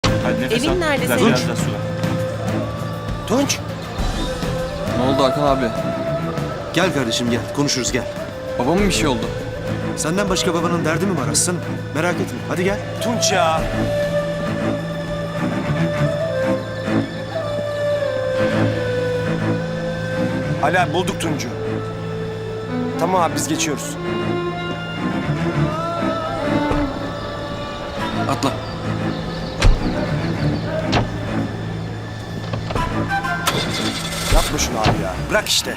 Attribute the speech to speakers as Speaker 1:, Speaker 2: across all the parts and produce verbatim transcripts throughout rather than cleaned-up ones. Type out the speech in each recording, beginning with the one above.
Speaker 1: Hadi nefes
Speaker 2: Evin
Speaker 1: al.
Speaker 2: nerede
Speaker 1: Biraz,
Speaker 2: senin?
Speaker 1: biraz daha sula.
Speaker 3: Tunç.
Speaker 4: Ne oldu Hakan abi?
Speaker 3: Gel kardeşim gel. Konuşuruz gel.
Speaker 4: Babamın bir şey oldu.
Speaker 3: Senden başka babanın derdi mi var aslanım? Merak etme. Hadi gel.
Speaker 1: Tunç ya.
Speaker 5: Ali abi bulduk Tunç'u. Tamam abi biz geçiyoruz.
Speaker 3: Atla.
Speaker 5: Yapma şunu abi ya. Bırak işte.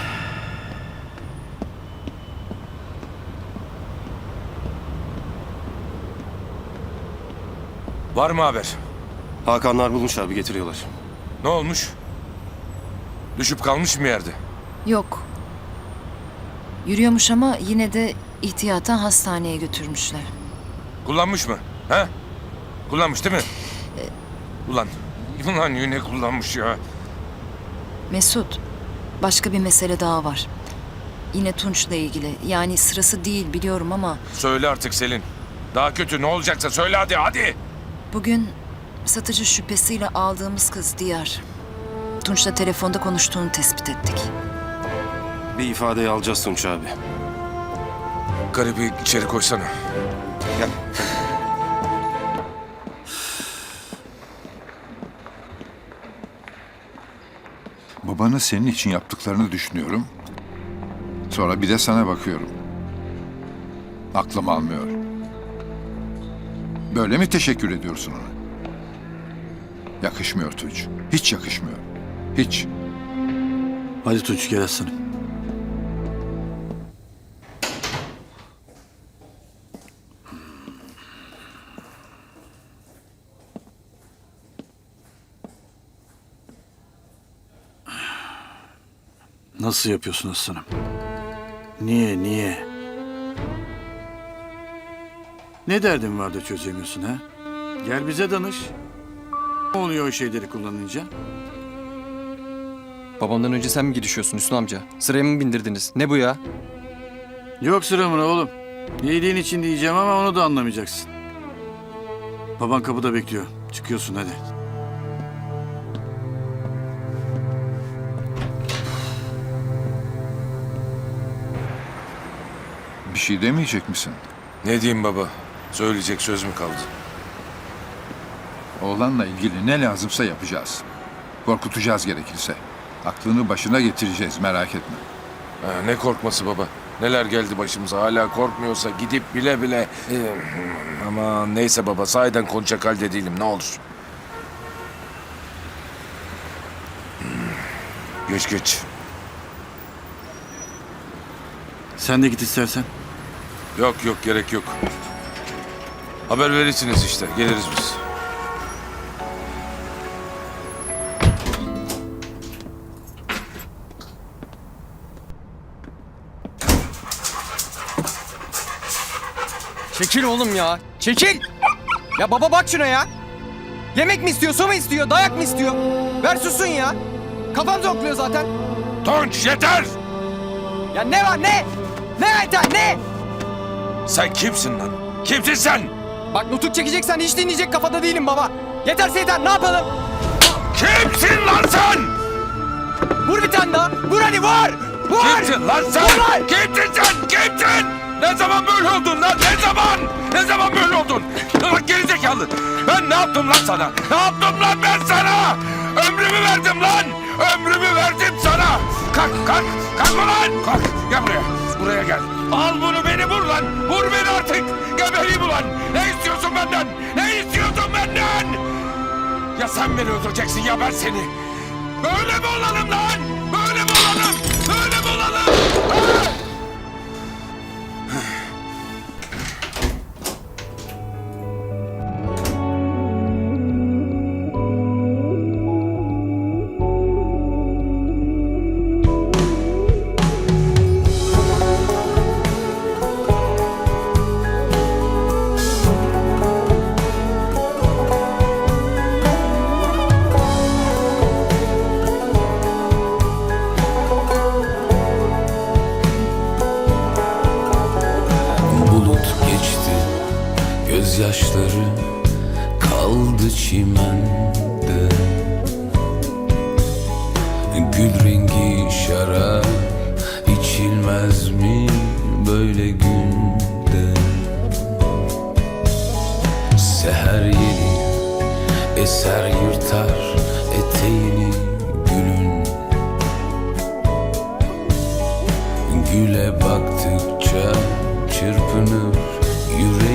Speaker 6: Var mı haber?
Speaker 3: Hakanlar bulmuş abi getiriyorlar.
Speaker 6: Ne olmuş? Düşüp kalmış mı yerde?
Speaker 7: Yok. Yürüyormuş ama yine de ihtiyaten hastaneye götürmüşler.
Speaker 6: Kullanmış mı? He? Kullanmış değil mi? Ulan, ulan yine kullanmış ya.
Speaker 7: Mesut, başka bir mesele daha var. Yine Tunç'la ilgili. Yani sırası değil biliyorum ama
Speaker 6: Söyle artık Selin. Daha kötü ne olacaksa söyle hadi hadi.
Speaker 7: bugün satıcı şüphesiyle aldığımız kız Diyar. Tunç'la telefonda konuştuğunu tespit ettik.
Speaker 3: Bir ifadeyi alacağız Tunç abi.
Speaker 6: Garibi içeri koysana.
Speaker 3: Gel.
Speaker 8: Babanın senin için yaptıklarını düşünüyorum. Sonra bir de sana bakıyorum. Aklım almıyor. Böyle mi teşekkür ediyorsun ona? Yakışmıyor Tunç. Hiç yakışmıyor. Hiç.
Speaker 9: Hadi Tunç gel aslanım. Nasıl yapıyorsun aslanım? Niye, niye? Ne derdin var da çözemiyorsun ha? Gel bize danış. Ne oluyor o şeyleri kullanınca?
Speaker 4: Babamdan önce sen mi gidişiyorsun Hüsnü amca? Sıraya mı bindirdiniz? Ne bu ya?
Speaker 9: Yok sıramına oğlum. İyiliğin için diyeceğim ama onu da anlamayacaksın. Baban kapıda bekliyor. Çıkıyorsun hadi.
Speaker 8: Bir şey demeyecek misin?
Speaker 6: Ne diyeyim baba? Söyleyecek söz mü kaldı?
Speaker 8: Oğlanla ilgili ne lazımsa yapacağız. Korkutacağız gerekirse. Aklını başına getireceğiz, merak etme.
Speaker 6: Ha, ne korkması baba? Neler geldi başımıza hala korkmuyorsa gidip bile bile... Ee, ama neyse baba sahiden konuşacak halde değilim ne olur. Hmm, Geç geç.
Speaker 9: Sen de git istersen.
Speaker 6: Yok yok gerek yok. Haber verirsiniz işte geliriz biz.
Speaker 4: Çekil oğlum ya. Çekil. Ya baba bak şuna ya. Yemek mi istiyor, su mu istiyor, dayak mı istiyor? Ver sussun ya. Kafam zokluyor zaten.
Speaker 6: Tunç yeter!
Speaker 4: Ya ne var ne? Ne yeter ne?
Speaker 6: Sen kimsin lan? Kimsin sen?
Speaker 4: Bak nutuk çekeceksen hiç dinleyecek kafada değilim baba. Yeterse yeter ne yapalım?
Speaker 6: Kimsin lan sen?
Speaker 4: Vur bir tane daha. Vur hadi vur. Vur.
Speaker 6: Kimsin lan sen?
Speaker 4: Vur lan.
Speaker 6: Kimsin sen? Kimsin? Ne zaman böyle oldun lan? Ne zaman? Ne zaman böyle oldun? Bak gerizekalı. Ben ne yaptım lan sana? Ne yaptım lan ben sana? Ömrümü verdim lan. Ömrümü verdim sana. Kalk kalk. Kalk ulan. Kalk. Gel buraya. Buraya gel. Al bunu beni vur lan. Vur beni artık. Gebereyim ulan. Ne istiyorsun benden? Ne istiyorsun benden? Ya sen beni öldüreceksin ya ben seni. Böyle mi olalım lan? Böyle mi olalım? Böyle mi olalım? Ha?
Speaker 1: çimende. Gül rengi şarap içilmez mi böyle günde? Seher yeli eser yırtar eteğini gülün. Güle baktıkça çırpınır yüreğim.